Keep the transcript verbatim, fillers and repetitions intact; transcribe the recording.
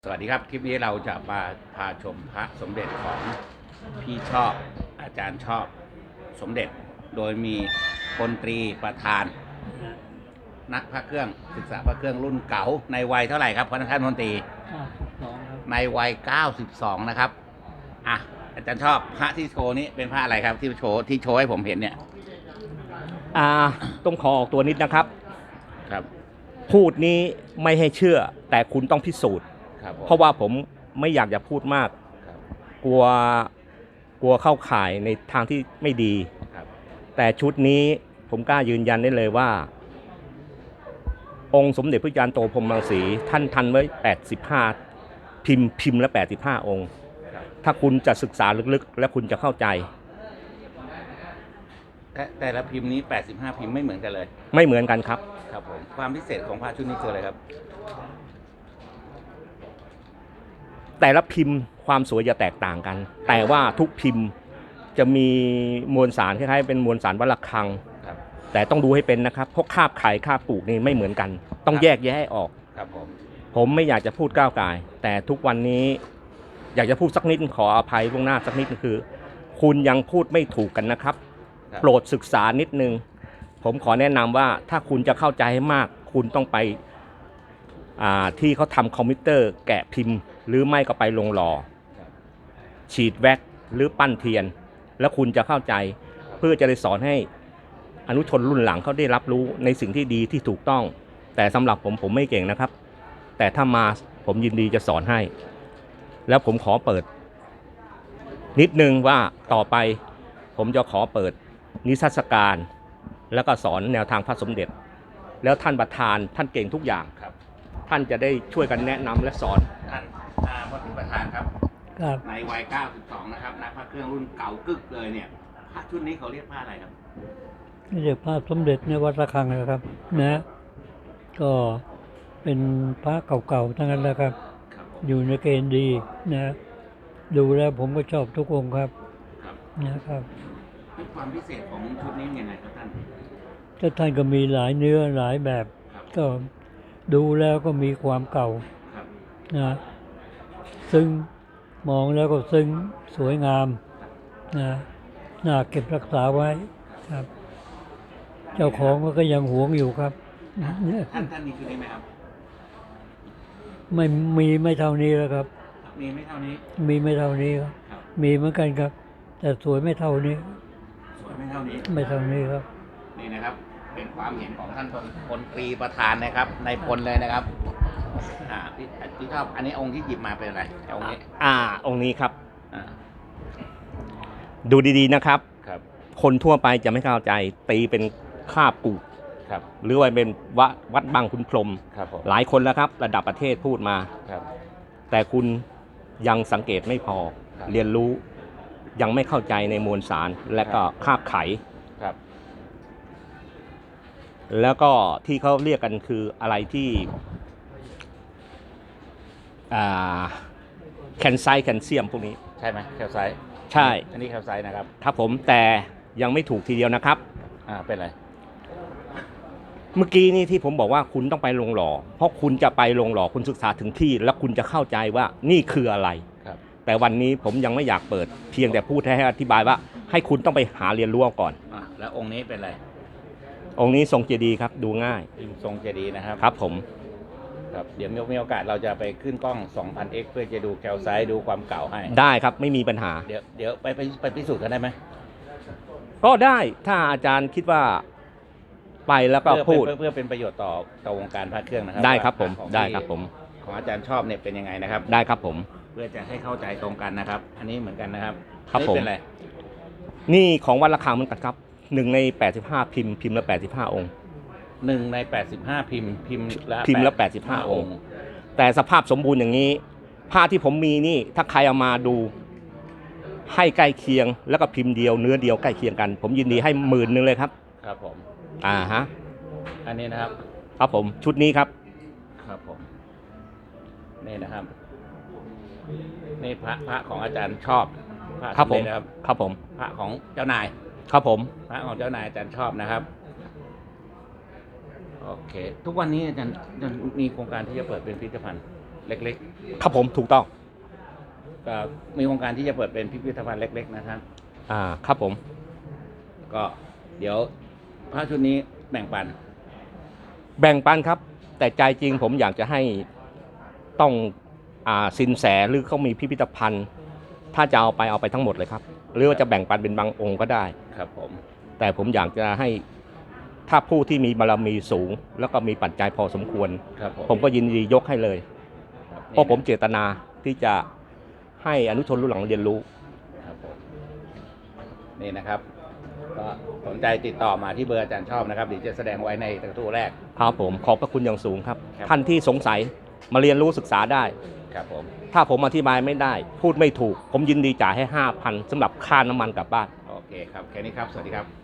สวัสดีครับคลิปนี้เราจะมาพาชมพระสมเด็จของพี่ชอบอาจารย์ชอบสมเด็จโดยมีพลตรีประธาน นักพระเครื่องศึกษาพระเครื่องรุ่นเก่าในวัยเท่าไหร่ครับท่านพลตรีในวัยเก้าสิบสองนะครับอ่ะอาจารย์ชอบพระที่โชว์นี้เป็นพระอะไรครับที่โชว์ที่โชว์ให้ผมเห็นเนี่ยอ่าต้องขอออกตัวนิดนะครับครับพูดนี้ไม่ให้เชื่อแต่คุณต้องพิสูจน์เพราะว่าผมไม่อยากจะพูดมากกลัวกลัวเข้าข่ายในทางที่ไม่ดีแต่ชุดนี้ผมกล้ายืนยันได้เลยว่าองค์สมเด็จพระยานโตพรหมรังสีท่านทันไว้แปดสิบห้าพิมพ์พิมพ์ละแปดสิบห้าองค์ถ้าคุณจะศึกษาลึกๆและคุณจะเข้าใจแต่แต่ละพิมพ์นี้แปดสิบห้าพิมพ์ไม่เหมือนกันเลยไม่เหมือนกันครับครับผมความพิเศษของพระชุดนี้คืออะไรครับแต่ละพิมพ์ความสวยจะแตกต่างกันแต่ว่าทุกพิมพ์จะมีมวลสารคล้ายๆเป็นมวลสารวัลคังแต่ต้องดูให้เป็นนะครับเพราะคาบไข่คาบปลูกนี่ไม่เหมือนกันต้องแยกแยะให้ออกครับผมผมไม่อยากจะพูดก้าวไก่แต่ทุกวันนี้อยากจะพูดสักนิดขออภัยล่วงหน้าสักนิดคือคุณยังพูดไม่ถูกกันนะครับโปรดศึกษานิดนึงผมขอแนะนำว่าถ้าคุณจะเข้าใจให้มากคุณต้องไปที่เขาทำคอมพิวเตอร์แกะพิมพ์หรือไม่ก็ไปลงหล่อฉีดแว็กหรือปั้นเทียนแล้วคุณจะเข้าใจเพื่อจะได้สอนให้อนุชนรุ่นหลังเขาได้รับรู้ในสิ่งที่ดีที่ถูกต้องแต่สำหรับผมผมไม่เก่งนะครับแต่ถ้ามาผมยินดีจะสอนให้แล้วผมขอเปิดนิดนึงว่าต่อไปผมจะขอเปิดนิทรรศการแล้วก็สอนแนวทางพระสมเด็จแล้วท่านประธานท่านเก่งทุกอย่างครับท่านจะได้ช่วยกันแนะนำและสอนท่านพลประธานครับในวัยเก้าสิบสองนะครับนักพระเครื่องรุ่นเก่ากึกเลยเนี่ยพระชุดนี้เขาเรียกพระอะไรครับเรียกพระสมเด็จในวัดระฆังนะครับนะก็เป็นพระเก่าๆทั้งนั้นแหละครับอยู่ในเกณฑ์ดีนะดูแล้วผมก็ชอบทุกองค์ครับนะครับความพิเศษของชุดนี้ยังไงครับท่านก็ท่านก็มีหลายเนื้อหลายแบบก็ดูแล้วก็มีความเก่านะซึ่งมองแล้วก็ซึ่งสวยงามนะน่าเก็บรักษาไว้ครับเจ้าของก็ยังหวงอยู่ครับท่านท่านมีชุดนี้ไหมครับไม่มีไม่เท่านี้แล้วครับมีไม่เท่านี้มีไม่เท่านี้ครับมีเหมือนกันครับแต่สวยไม่เท่านี้สวยไม่เท่านี้ไม่เท่านี้ครับนี่นะครับเป็นความเห็นของท่านพลตรีประธานนะครับในพลเลยนะครับอ่าพี่พี่ชอบอันนี้องค์ที่หยิบมาเป็นอะไรองค์นี้อ่าองค์นี้ครับอ่าดูดีๆนะครับครับคนทั่วไปจะไม่เข้าใจตีเป็นคาบกูครับหรือว่าเป็นวัดวัดบางขุนพรหมครับหลายคนแล้วครับระดับประเทศพูดมาครับแต่คุณยังสังเกตไม่พอเรียนรู้ยังไม่เข้าใจในมวลสารและก็คาบไขครับแล้วก็ที่เขาเรียกกันคืออะไรที่แคลไซต์แคลเซียมพวกนี้ใช่ไหมแคลไซต์ใช่อันนี้แคลไซต์นะครับครับผมแต่ยังไม่ถูกทีเดียวนะครับอ่าเป็นไรเมื่อกี้นี่ที่ผมบอกว่าคุณต้องไปลงหล่อเพราะคุณจะไปลงหล่อคุณศึกษาถึงที่แล้วคุณจะเข้าใจว่านี่คืออะไรครับแต่วันนี้ผมยังไม่อยากเปิดเพียงแต่พูดให้อธิบายว่าให้คุณต้องไปหาเรียนรู้ก่อนอ่าแล้วองค์นี้เป็นไรองค์นี้ทรงเจดีย์ครับดูง่ายทรงเจดีย์นะครับครับผมครับเดี๋ยวมีโอกาสเราจะไปขึ้นกล้อง สองพันเอ็กซ์ เพื่อจะดูแคลไซต์ดูความเก่าให้ได้ครับไม่มีปัญหาเดี๋ยวเดี๋ยวไปไปไปพิสูจน์กันได้ไหมก็ได้ถ้าอาจารย์คิดว่าไปแล้วก็พูดเพื่อเป็นประโยชน์ต่อต่อวงการพระเครื่องนะครับได้ครับผมได้ครับผมของอาจารย์ชอบเนี่ยเป็นยังไงนะครับได้ครับผมเพื่อจะให้เข้าใจตรงกันนะครับอันนี้เหมือนกันนะครับครับผมนี่ของวัดระฆังเหมือนกันครับหนึ่งในแปดสิบห้าพิมพ์พิมพ์ละแปดสิบห้าองค์หนึ่งในแปดสิบห้าพิมพ์พิมพ์ละพิมพ์ละแปดสิบห้าองค์แต่สภาพสมบูรณ์อย่างนี้ผ้าที่ผมมีนี่ถ้าใครเอามาดูให้ใกล้เคียงแล้วก็พิมพ์เดียวเนื้อเดียวใกล้เคียงกันผมยินดีให้หมื่นนึงเลยครับครับผมอ่าฮะอันนี้นะครับครับผมชุดนี้ครับครับผมนี่นะครับนี่พระพระของอาจารย์ชอบพระครับผมนะครับครับผมพระของเจ้านายครับผมพระของเจ้านายอาจารย์ชอบนะครับโอเคทุกวันนี้อาจารย์มีโครงการที่จะเปิดเป็นพิพิธภัณฑ์เล็กครับผมถูกต้องๆก็มีโครงการที่จะเปิดเป็นพิพิธภัณฑ์เล็กๆนะครับอ่าครับผมก็เดี๋ยวพระชุดนี้แบ่งปันแบ่งปันครับ แต่ใจจริงผมอยากจะให้ต้องอ่าสินแสหรือเขามีพิพิธภัณฑ์ ถ้าจะเอาไปเอาไปทั้งหมดเลยครับ หรือว่าจะแบ่งปันเป็นบางองค์ก็ได้ครับผมแต่ผมอยากจะให้ถ้าผู้ที่มีบารมีสูง แล้วก็มีปัจจัยพอสมควรครับผมผมก็ยินดียกให้เลยครับเพราะผมเจตนาที่จะให้อนุชนรุ่นหลังเรียนรู้ครับผมนี่นะครับ ก็สนใจติดต่อมาที่เบอร์อาจารย์ชอบนะครับเดี๋ยวจะแสดงไว้ในกระทู้แรกครับผมขอบพระคุณอย่างสูงครับครับท่านที่สงสัยมาเรียนรู้ศึกษาได้ครับผมถ้าผมอธิบายไม่ได้ พูดไม่ถูก ผมยินดีจ่ายให้ห้าพันสำหรับค่าน้ำมันกลับบ้านโอเคครับแค่นี้ครับสวัสดีครับ